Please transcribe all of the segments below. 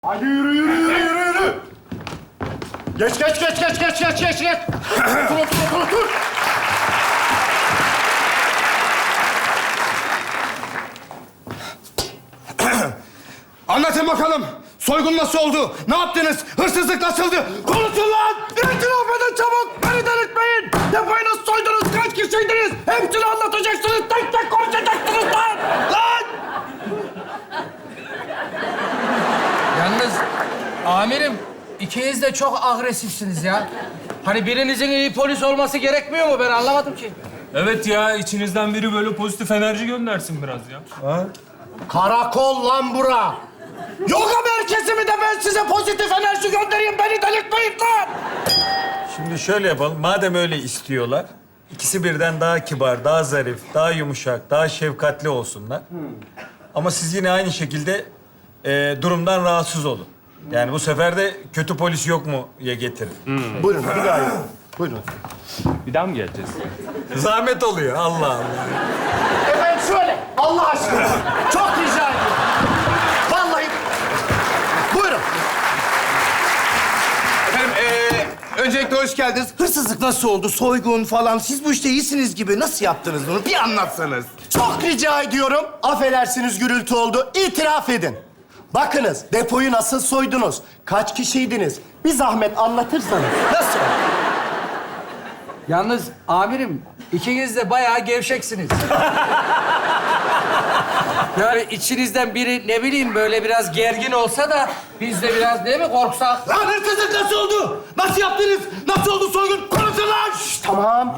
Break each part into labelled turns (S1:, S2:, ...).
S1: Hadi yürü. Geç. Otur. Anlatın bakalım. Soygun nasıl oldu? Ne yaptınız? Hırsızlık nasıldı? Konuşun lan! İtiraf edin çabuk! Beni delirtmeyin! Depoyu nasıl soydunuz? Kaç kişiydiniz? Hepsini anlatacaksınız. Tek tek konuşacaksınız lan! Lan!
S2: Yalnız amirim ikiniz de çok agresifsiniz ya. Hani birinizin iyi polis olması gerekmiyor mu? Ben anlamadım ki.
S3: Evet ya, içinizden biri böyle pozitif enerji göndersin biraz ya.
S1: Karakol lan bura! Yoga merkezi mi de ben size pozitif enerji göndereyim? Beni delirtmeyin lan!
S4: Şimdi şöyle yapalım. Madem öyle istiyorlar, ikisi birden daha kibar, daha zarif, daha yumuşak, daha şefkatli olsunlar. Ama siz yine aynı şekilde durumdan rahatsız olun. Yani bu sefer de kötü polis yok mu ya getirin.
S1: Buyurun, bir daha yapın. Buyurun.
S3: Bir daha mı geleceğiz?
S4: Zahmet oluyor. Allah Allah.
S1: Efendim şöyle, Allah aşkına. Çok rica ediyorum. Vallahi. Buyurun.
S5: Efendim, öncelikle hoş geldiniz. Hırsızlık nasıl oldu? Soygun falan. Siz bu işte iyisiniz gibi. Nasıl yaptınız bunu? Bir anlatsanız.
S1: Çok rica ediyorum. Affedersiniz gürültü oldu. İtiraf edin. Bakınız, depoyu nasıl soydunuz? Kaç kişiydiniz? Bir zahmet anlatırsanız.
S5: Nasıl?
S2: Yalnız amirim ikiniz de bayağı gevşeksiniz. Yani içinizden biri ne bileyim böyle biraz gergin olsa da biz de biraz değil mi korksak?
S5: Lan hırsızlık nasıl oldu? Nasıl yaptınız? Nasıl oldu soygun? Konuşun lan!
S1: Tamam.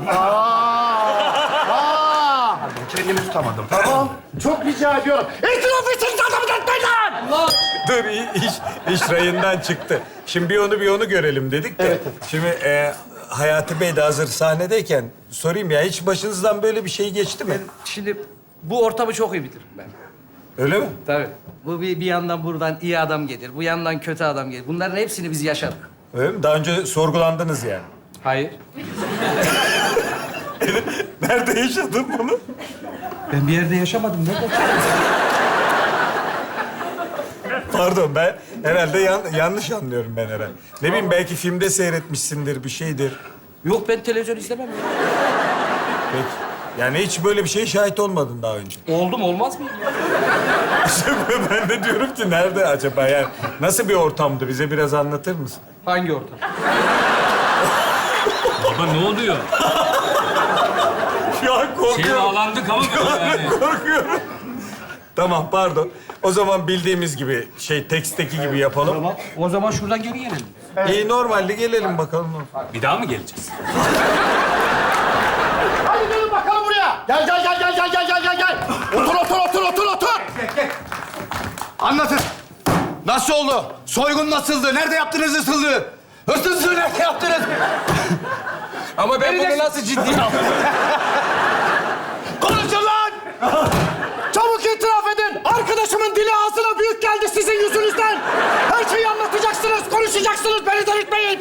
S5: Kendimi tutamadım.
S1: Tamam. Çok rica ediyorum. İtiraf etsiniz adamı delirtmeyin lan!
S4: Dur, iş rayından çıktı. Şimdi bir onu görelim dedik de.
S1: Evet.
S4: Şimdi Hayati Bey de hazır sahnedeyken sorayım ya, hiç başınızdan böyle bir şey geçti mi?
S2: Şimdi bu ortamı çok iyi bilirim ben.
S4: Öyle mi?
S2: Tabii. Bu bir yandan buradan iyi adam gelir, bu yandan kötü adam gelir. Bunların hepsini biz yaşadık.
S4: Öyle mi? Daha önce sorgulandınız yani.
S2: Hayır.
S4: Nerede yaşadın bunu?
S2: Ben bir yerde yaşamadım. Ne
S4: Pardon, ben herhalde yanlış anlıyorum ben herhalde. Ne bileyim, belki filmde seyretmişsindir, bir şeydir.
S2: Yok ben televizyon izlemem ya.
S4: Peki. Yani hiç böyle bir şeye şahit olmadın daha önce.
S2: Oldum olmaz mıyım ya?
S4: Ben de diyorum ki nerede acaba, yani nasıl bir ortamdı, bize biraz anlatır mısın?
S2: Hangi ortam?
S3: Baba ne oluyor?
S4: Şu an korkuyorum.
S3: Bağlandık ama yani.
S4: Korkuyorum. Tamam, pardon. O zaman bildiğimiz gibi, teksteki gibi yapalım.
S2: Tamam. O zaman şuradan geri gelelim.
S4: İyi, normalde gelelim bakalım.
S3: Bir daha mı geleceğiz?
S1: Hadi gelin bakalım buraya. Gel. Otur.
S5: Anlatın. Nasıl oldu? Soygun nasıldı? Nerede yaptınız hırsızlığı? Hırsızlığı nerede yaptınız?
S2: Ama ben bunu nasıl ciddiye aldım?
S5: Konuşun lan!
S1: Çabuk itiraf edin. Arkadaşımın dili ağzına büyük geldi sizin yüzünüzden. Her şeyi anlatacaksınız, konuşacaksınız. Beni delirtmeyin.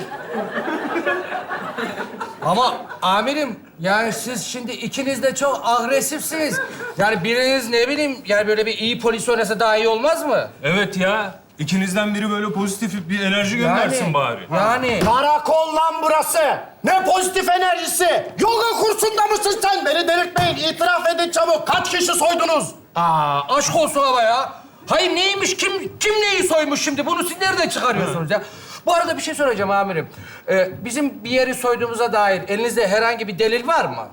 S2: Ama amirim yani siz şimdi ikiniz de çok agresifsiniz. Yani biriniz ne bileyim yani böyle bir iyi polis oynasa daha iyi olmaz mı?
S3: Evet ya, ikinizden biri böyle pozitif bir enerji göndersin bari.
S2: Yani.
S1: Karakol lan burası. Ne pozitif enerjisi. Yoga kursunda mısın sen? Beni delirtmeyin. İtiraf edin çabuk. Kaç kişi soydunuz?
S2: Aşk olsun ama ya. Hayır neymiş, kim neyi soymuş şimdi? Bunu siz nereden çıkarıyorsunuz ya? Bu arada bir şey soracağım amirim. Bizim bir yeri soyduğumuza dair elinizde herhangi bir delil var mı?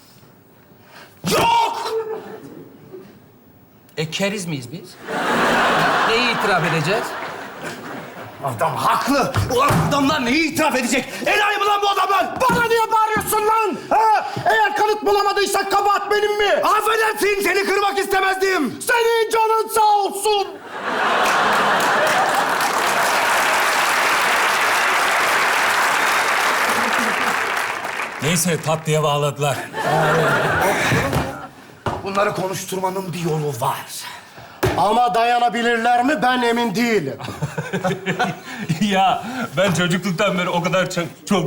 S1: Yok!
S2: Keriz miyiz biz? Neyi itiraf edeceğiz?
S5: Adam haklı. Ulan adamlar neyi itiraf edecek? Enayi mi lan bu adamlar?
S1: Bana niye bağırıyorsun lan? Ha? Eğer kanıt bulamadıysak kabahat benim mi?
S5: Affedersin, seni kırmak istemezdim.
S1: Senin canın sağ olsun.
S3: Neyse, tatlıya bağladılar.
S5: Bunları konuşturmanın bir yolu var.
S1: Ama dayanabilirler mi ben emin değilim.
S3: Ya ben çocukluktan beri o kadar çok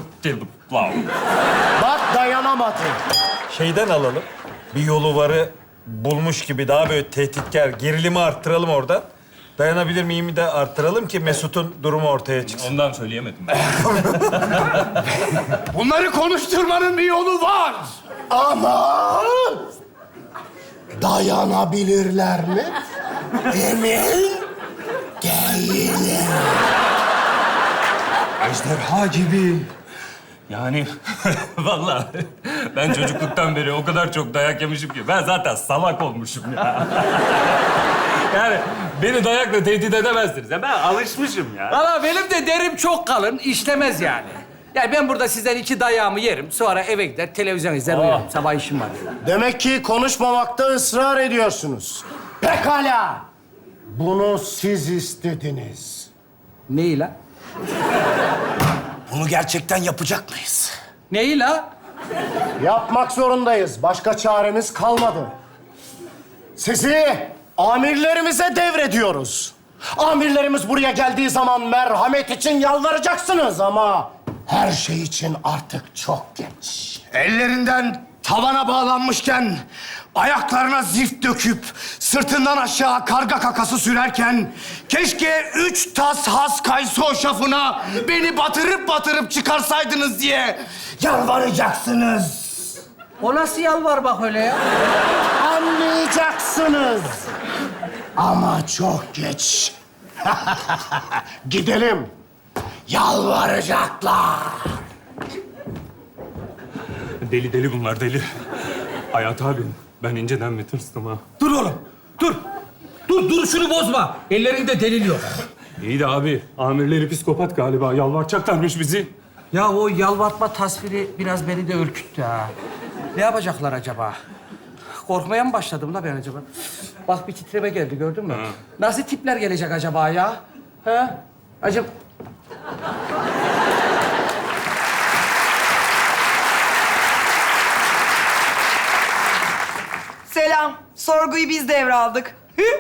S1: Bak dayanamadı.
S4: Şeyden alalım. Bir yolu varı bulmuş gibi daha böyle tehditkar, gerilimi arttıralım oradan. Dayanabilir miyimi de arttıralım ki Mesut'un durumu ortaya çıksın.
S3: Ondan söyleyemedim.
S5: Bunları konuşturmanın bir yolu var.
S6: Ama dayanabilirler mi? Emin değilim.
S3: Ejderha gibi. Yani vallahi ben çocukluktan beri o kadar çok dayak yemişim ki ben zaten salak olmuşum ya. Yani beni dayakla tehdit edemezsiniz ya. Ben alışmışım ya.
S2: Valla benim de derim çok kalın, işlemez yani. Yani ben burada sizden 2 dayağımı yerim. Sonra eve gider, televizyon izler, uyurum. Sabah işim var.
S6: Demek ki konuşmamakta ısrar ediyorsunuz. Pekala. Bunu siz istediniz.
S2: Neyi la?
S6: Bunu gerçekten yapacak mıyız?
S2: Neyi la?
S6: Yapmak zorundayız. Başka çaremiz kalmadı. Sizi amirlerimize devrediyoruz. Amirlerimiz buraya geldiği zaman merhamet için yalvaracaksınız ama her şey için artık çok geç.
S5: Ellerinden tavana bağlanmışken, ayaklarına zift döküp, sırtından aşağı karga kakası sürerken, keşke 3 tas has kayısı hoşafına beni batırıp batırıp çıkarsaydınız diye yalvaracaksınız.
S2: O nasıl yalvar bak öyle ya?
S6: Anlayacaksınız. Ama çok geç. Gidelim. Yalvaracaklar.
S3: Deli deli bunlar deli. Hayat abi ben inceden bir tırstım ha.
S2: Dur oğlum, dur. Dur şunu bozma. Ellerinde delil yok.
S3: İyi de abi amirleri psikopat galiba. Yalvaracaklarmış bizi.
S2: Ya o yalvartma tasviri biraz beni de ürküttü ha. Ne yapacaklar acaba? Korkmaya mı başladım la ben acaba? Bak bir titreme geldi gördün mü? Nasıl tipler gelecek acaba ya? Ha? Acaba...
S7: Selam. Sorguyu biz devraldık.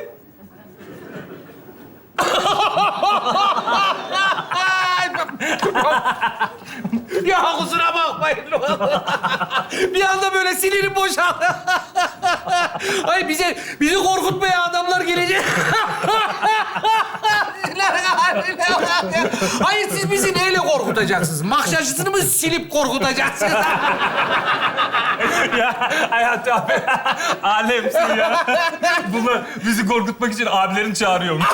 S2: Ya kusura bakmayın. Bir anda böyle sinirim boşaldı. Ay bizi korkutmaya adamlar gelecek. Hayır siz bizi neyle korkutacaksınız? Makşacısını mı silip korkutacaksınız?
S3: Ya Hayat abi alemsin ya. Bunlar bizi korkutmak için abilerini çağırıyormuş.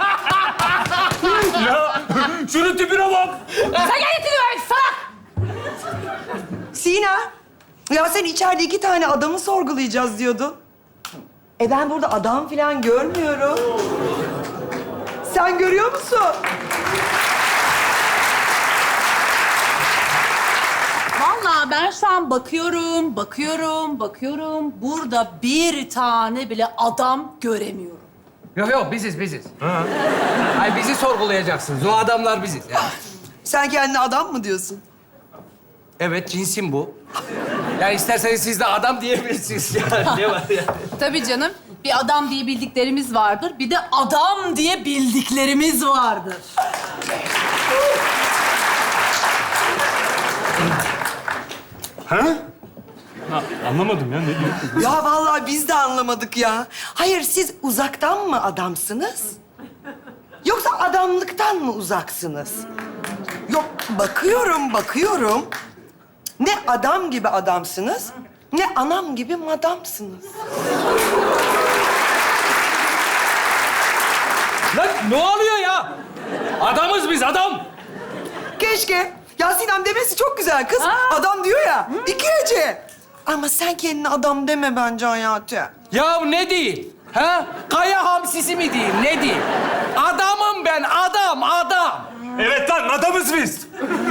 S3: Ya şunun tipine bak.
S7: Sen geldin salak! Sina, ya sen içeride 2 tane adamı sorgulayacağız diyordun. Ben burada adam falan görmüyorum. Sen görüyor musun?
S8: Vallahi ben şu an bakıyorum. Burada bir tane bile adam göremiyorum.
S2: Yok biziz. Hayır bizi sorgulayacaksınız. O adamlar biziz. Ya.
S7: Sen kendine adam mı diyorsun?
S2: Evet cinsim bu. Yani isterseniz siz de adam diyebilirsiniz. Yani ne var ya?
S8: Tabii canım. Bir adam diye bildiklerimiz vardır. Bir de adam diye bildiklerimiz vardır.
S3: Anlamadım ya ne diyorsun?
S7: Ya vallahi biz de anlamadık ya. Hayır, siz uzaktan mı adamsınız? Yoksa adamlıktan mı uzaksınız? Yok, bakıyorum. Ne adam gibi adamsınız, ne anam gibi madamsınız.
S2: Lan ne oluyor ya? Adamız biz adam.
S7: Keşke. Ya Sinem demesi çok güzel kız. Adam diyor ya, iki hece. Ama sen kendine adam deme bence Hayati.
S2: Ya ne diyeyim? Ha? Kaya hamsisi mi diyeyim? Ne diyeyim? Adamım ben, adam.
S3: Evet lan adamız biz.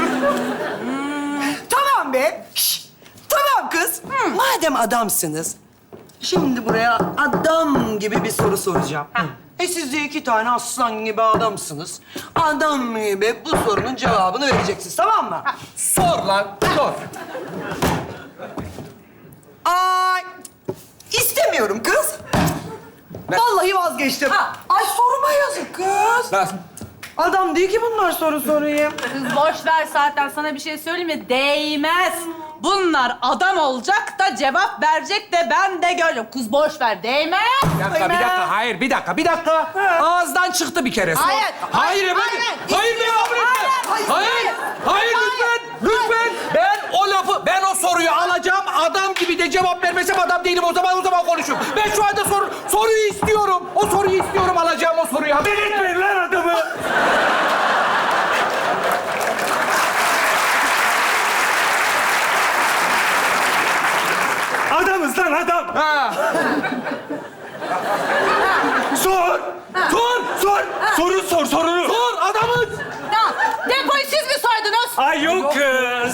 S7: Tamam be. Şş, tamam kız. Madem adamsınız, şimdi buraya adam gibi bir soru soracağım. Siz de 2 tane aslan gibi adamsınız. Adam gibi bu sorunun cevabını vereceksiniz, tamam mı?
S2: Sor lan, sor.
S7: Ay, istemiyorum kız. Vallahi vazgeçtim. Ay soruma yazık kız.
S2: Nasıl?
S7: Adam değil ki bunlar soru sorayım.
S8: Kız boş ver zaten. Sana bir şey söyleyeyim mi? Değmez. Bunlar adam olacak da cevap verecek de ben de görüyorum. Kız boş ver. Değmez.
S2: Bir dakika. Hayır, bir dakika. Ağızdan çıktı bir kere.
S8: Hayır,
S2: Hayır
S8: hayır,
S2: efendim.
S8: hayır.
S2: Hayır, beni kabul etme. Hayır, lütfen. Ben o soruyu alacağım. Adam gibi de cevap vermesem adam değilim. O zaman konuşurum. Ben şu anda soruyu istiyorum. O soruyu istiyorum. Alacağım o soruyu. Haber etmeyin lan adamı.
S3: Adamız lan adam.
S2: Ha.
S3: Sor. Sorunu sor.
S2: Sor adamız.
S8: Ya, depoyu siz mi soydunuz?
S3: Ay yok kız.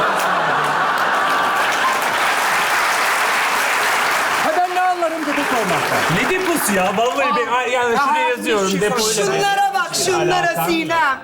S2: Ha ben ne anlarım depo sormaktan.
S3: Ne deposu ya? Vallahi ben yani şuraya yazıyorum depoyla.
S7: Şunlara bak, şunlara Sinem.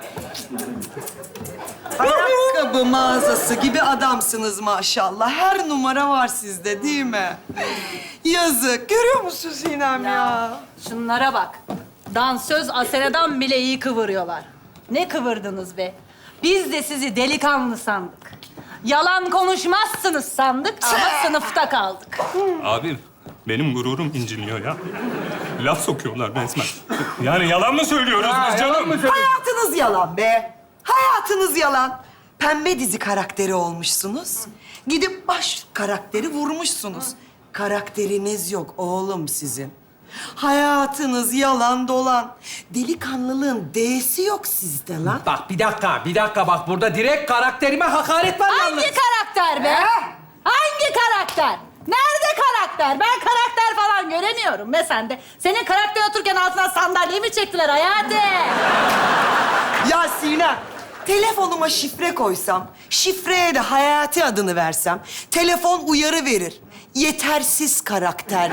S7: Ayakkabı mağazası gibi adamsınız maşallah. Her numara var sizde değil mi? Yazık. Görüyor musun Sinem ya?
S8: Şunlara bak. Dansöz Asena'dan bile iyi kıvırıyorlar. Ne kıvırdınız be? Biz de sizi delikanlı sandık. Yalan konuşmazsınız sandık ama sınıfta kaldık.
S3: Abi benim gururum inciniyor ya. Laf sokuyorlar resmen. Yani yalan mı söylüyoruz biz canım?
S7: Hayatınız yalan be. Hayatınız yalan. Pembe dizi karakteri olmuşsunuz. Gidip baş karakteri vurmuşsunuz. Karakteriniz yok oğlum sizin. Hayatınız yalan dolan. Delikanlılığın D'si yok sizde lan.
S2: Bak bir dakika bak burada direkt karakterime hakaret var yalnız.
S8: Hangi karakter be? Hangi karakter? Nerede karakter? Ben karakter falan göremiyorum be sende. Senin karakter otururken altına sandalye mi çektiler Hayati?
S7: Ya Sinem, telefonuma şifre koysam, şifreye de Hayati adını versem, telefon uyarı verir. Yetersiz karakter.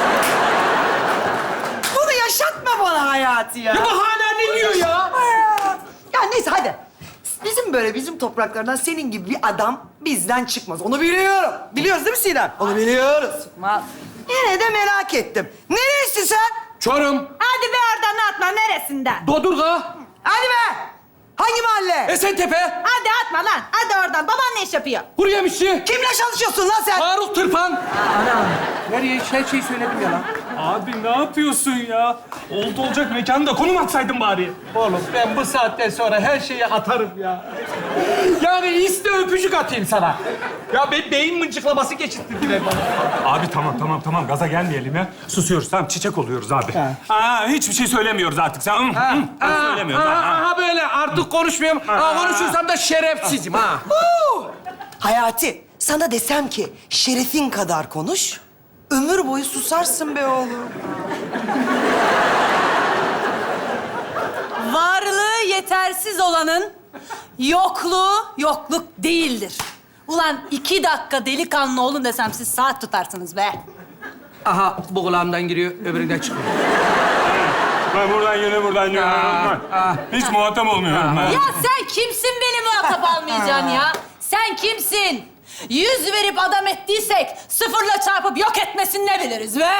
S7: Bunu yaşatma bana Hayati ya.
S2: Ya bu hala ne diyor ya?
S7: Ya neyse hadi. Bizim topraklardan senin gibi bir adam bizden çıkmaz. Onu biliyorum. Biliyoruz değil mi Sinem? Onu biliyoruz. Yine de merak ettim. Neresi sen?
S2: Çorum,
S8: Hadi be oradan atma neresinden?
S2: Dodurga,
S7: Hadi be! Hangi mahalle?
S2: Esentepe,
S8: Hadi atma lan. Hadi oradan. Baban ne iş yapıyor?
S2: kuru yemişçi,
S7: Kimle çalışıyorsun lan sen?
S2: Faruk Tırpan. Ana, nereye her şeyi söyledim ya lan.
S3: Abi ne yapıyorsun ya? Oldu olacak mekanda konum atsaydın bari.
S2: Oğlum ben bu saatten sonra her şeyi atarım ya. Yani iste öpücük atayım sana. Ya beyin mıncıklaması geçirttirdiler bana.
S3: Abi tamam gaza gelmeyelim ya. Susuyoruz tamam çiçek oluyoruz abi. Hiçbir şey söylemiyoruz artık sen. Söylemiyoruz.
S2: Aha böyle artık konuşmuyorum. Konuşursam da şerefsizim ha.
S7: Hayati, sana desem ki şerefin kadar konuş, ömür boyu susarsın be oğlum.
S8: Varlığı yetersiz olanın yokluğu yokluk değildir. Ulan 2 dakika delikanlı olun desem siz saat tutarsınız be.
S2: Aha bu kulağımdan giriyor, öbüründen çıkıyor.
S3: Ben buradan geliyorum. Hiç muhatap olmuyorum ben.
S8: Ya sen kimsin beni muhatap almayacaksın ya? Sen kimsin? 100 verip adam ettiysek sıfırla çarpıp yok etmesini ne biliriz be?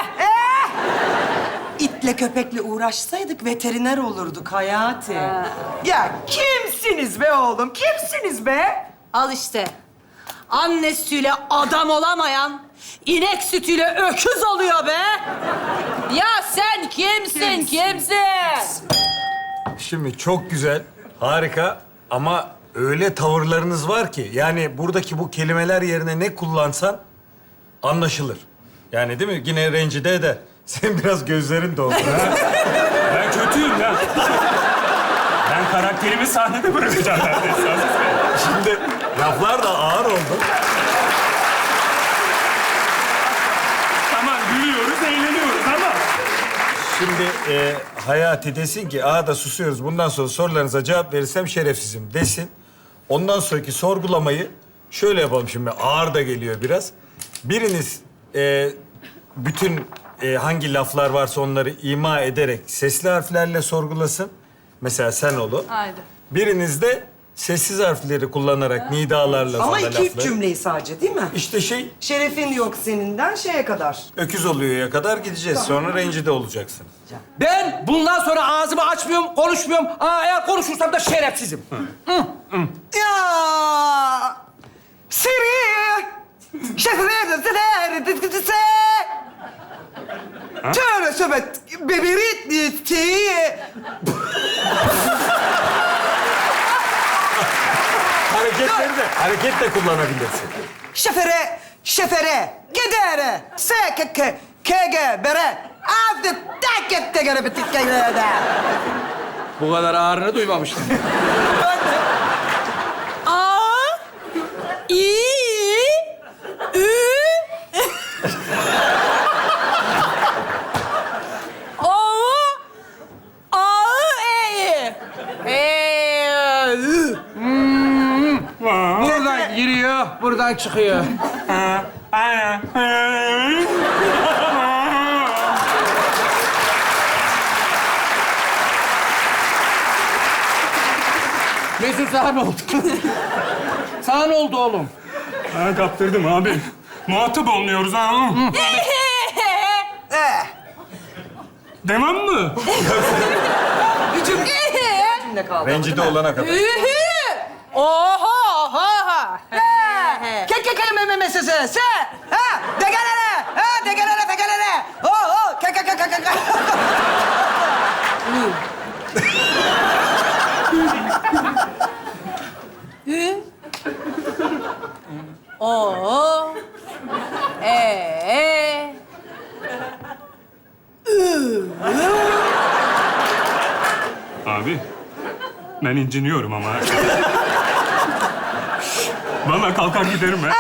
S7: İtle köpekle uğraşsaydık veteriner olurduk Hayati. Ya kimsiniz be oğlum? Kimsiniz be?
S8: Al işte. Anne sütüyle adam olamayan, inek sütüyle öküz oluyor be. Ya sen kimsin?
S4: Şimdi çok güzel, harika ama öyle tavırlarınız var ki yani buradaki bu kelimeler yerine ne kullansan anlaşılır. Yani değil mi? Yine rencide eder. Senin biraz gözlerin doldu.
S3: Ben kötüyüm ya. Ben karakterimi sahnede bırakacağım neredeyse.
S4: Şimdi laflar da ağır oldu.
S3: Tamam gülüyoruz, eğleniyoruz ama...
S4: Şimdi Hayati desin ki, da susuyoruz. Bundan sonra sorularınıza cevap verirsem şerefsizim desin. Ondan sonraki sorgulamayı şöyle yapalım şimdi. Ağır da geliyor biraz. Biriniz bütün hangi laflar varsa onları ima ederek sesli harflerle sorgulasın. Mesela sen olun.
S8: Haydi.
S4: Biriniz de sessiz harfleri kullanarak nidalarla
S7: Ama
S4: sana
S7: 2-3
S4: lafları.
S7: cümleyi sadece değil mi?
S4: İşte
S7: Şerefin yok seninden şeye kadar.
S4: öküz oluyor'ya kadar gideceğiz. Sonra rencide olacaksın.
S2: Ben bundan sonra ağzımı açmıyorum, konuşmuyorum. Eğer konuşursam da şerefsizim.
S7: Ya Siri Tövbe tövbe bebeği
S4: Hareket de kullanabilirsin.
S7: şefere gedere kege bere avde tek tegere bitikere
S2: Bu kadar ağrını duymamıştım.
S8: A, İ, Ü, O, A, E, Ü.
S2: Buradan giriyor, buradan çıkıyor. Mesut sana ne oldu? Sana ne oldu oğlum?
S3: Ha, kaptırdım abi. Muhatap olmuyoruz ha. Devam mı?
S7: ne kaldı?
S4: Rencide olana kadar.
S8: Oha, ha.
S7: Keke memesese se ha degelere o keke
S8: Ü, O, E,
S3: Abi, ben inciniyorum ama. Vallahi kalkar giderim ha.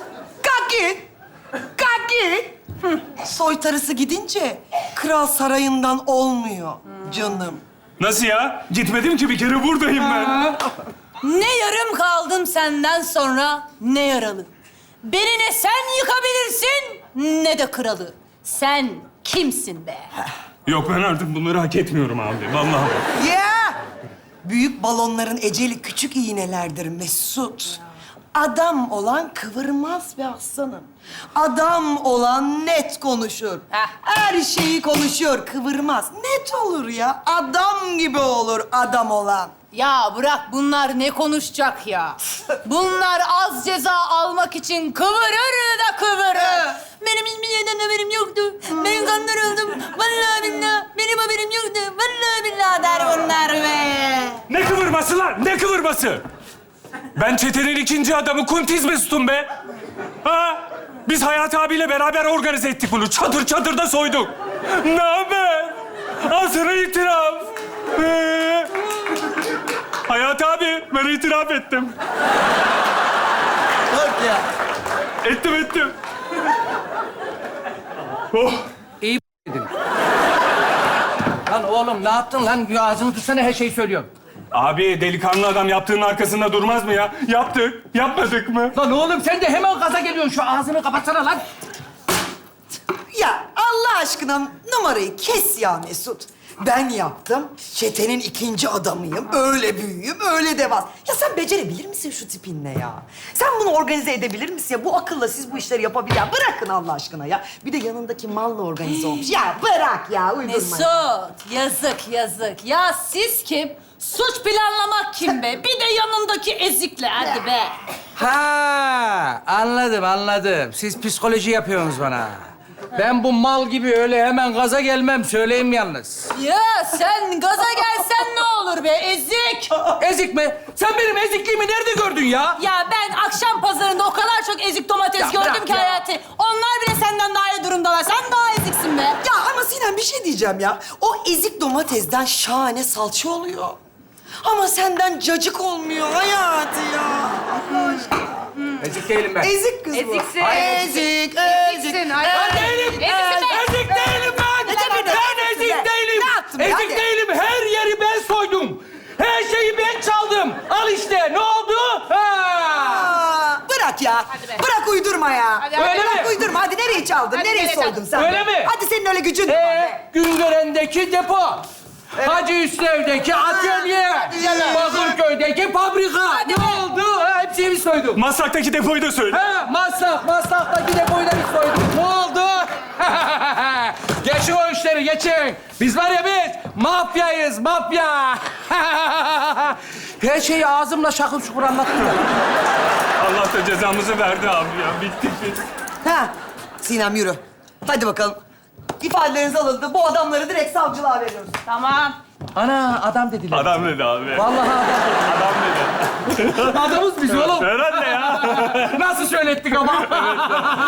S7: Kaki. Soytarısı gidince kral sarayından olmuyor canım.
S3: Nasıl ya? Gitmedim ki bir kere buradayım ben.
S8: Ne yarım kaldım senden sonra ne yaralı. Beni ne sen yıkabilirsin ne de kralı. Sen kimsin be?
S3: Yok ben artık bunları hak etmiyorum abi. Vallahi.
S7: Ya! Büyük balonların eceli küçük iğnelerdir Mesut. Adam olan kıvırmaz be aslanım. Adam olan net konuşur. Her şeyi konuşuyor, kıvırmaz. Net olur ya. Adam gibi olur adam olan.
S8: Ya bırak bunlar ne konuşacak ya? Bunlar az ceza almak için kıvırır da kıvırır. Benim hiçbir şeyden haberim yoktu. Ben kandırıldım. Vallahi billahi benim haberim yoktu. Vallahi billahi der bunlar be.
S3: Ne kıvırması lan? Ne kıvırması? Ben çetenin ikinci adamı Kuntiz Mesut'um be. Ha? Biz Hayati abiyle beraber organize ettik bunu. Çadır çadırda soyduk. Ne haber? Al sana itiraf. Hayati abi, ben itiraf ettim.
S7: Bak ya.
S3: Ettim. Oh.
S2: İyi dedin. Lan oğlum ne yaptın lan? Ağzını tutsana her şeyi söylüyorum.
S3: Abi delikanlı adam yaptığının arkasında durmaz mı ya? Yaptık, yapmadık mı?
S2: Lan oğlum sen de hemen gaza geliyorsun. Şu ağzını kapatsana lan.
S7: Ya Allah aşkına numarayı kes ya Mesut. Ben yaptım. Çetenin ikinci adamıyım. Öyle büyüğüm, öyle devas. Ya sen becerebilir misin şu tipinle ya? Sen bunu organize edebilir misin ya? Bu akılla siz bu işleri yapabilir. Ya bırakın Allah aşkına ya. Bir de yanındaki malla organize olmuş. Ya bırak ya, uydurma.
S8: Mesut, yazık. Ya siz kim? Suç planlamak kim be? Bir de yanındaki ezikle hadi be.
S2: Ha, anladım. Siz psikoloji yapıyorsunuz bana. Ben bu mal gibi öyle hemen gaza gelmem. Söyleyeyim yalnız.
S8: Ya sen gaza gelsen ne olur be ezik?
S2: Ezik mi? Sen benim ezikliğimi nerede gördün ya?
S8: Ya ben akşam pazarında o kadar çok ezik domates
S2: Ya
S8: gördüm
S2: bırak
S8: ki
S2: ya.
S8: Hayati. Onlar bile senden daha iyi durumdalar. Sen daha eziksin be.
S7: Ya ama Sinem bir şey diyeceğim ya. O ezik domatesden şahane salça oluyor. Ama senden cacık olmuyor Hayati ya. Allah aşkına.
S2: Ezik değilim ben.
S7: Ezik kız bu.
S8: Eziksin.
S7: Ezik.
S8: Eziksin.
S2: Ben değilim. Ezik değilim ben. Ben ezik değilim.
S7: Ne yaptın be?
S2: Ezik
S7: Hadi.
S2: değilim. Her yeri ben soydum. Her şeyi ben çaldım. Al işte. Ne oldu? Ha.
S7: Aa, bırak ya.
S8: Hadi be.
S7: Bırak uydurma ya.
S8: Hadi,
S2: Öyle
S7: Bırak
S2: mi?
S7: uydurma. Hadi nereye çaldın?
S8: Hadi
S7: nereye
S8: nereye
S7: soydun
S8: çaldın?
S7: sen?
S2: Öyle mi?
S7: Hadi senin öyle gücün mü var be?
S2: Güngören'deki depo. Hacı Üstev'deki atölye.
S7: canım.
S2: Bakırköy'de Ege fabrika.
S8: Hadi
S2: ne
S8: be.
S2: oldu? Ha, hepsini biz soyduk.
S3: Maslak'taki depoyu da söyle.
S2: Ha, Maslak'taki depoyu da biz soyduk. Ne oldu? Geçin o işleri, geçin. Biz var ya biz, mafyayız, mafya. Her şeyi ağzımla şakıl şukur anlattım.
S3: Allah da cezamızı verdi abi ya. Bittik biz.
S7: Ha, Sinem yürü. Hadi bakalım. İfadeleriniz alındı. Bu adamları direkt savcılığa veriyoruz.
S8: Tamam.
S2: Ana, adam dediler.
S3: Adam dedi abi.
S2: Vallahi adam.
S3: Adam dedi.
S2: Adamız biz oğlum.
S3: Herhalde ya.
S2: Nasıl söylettik ama?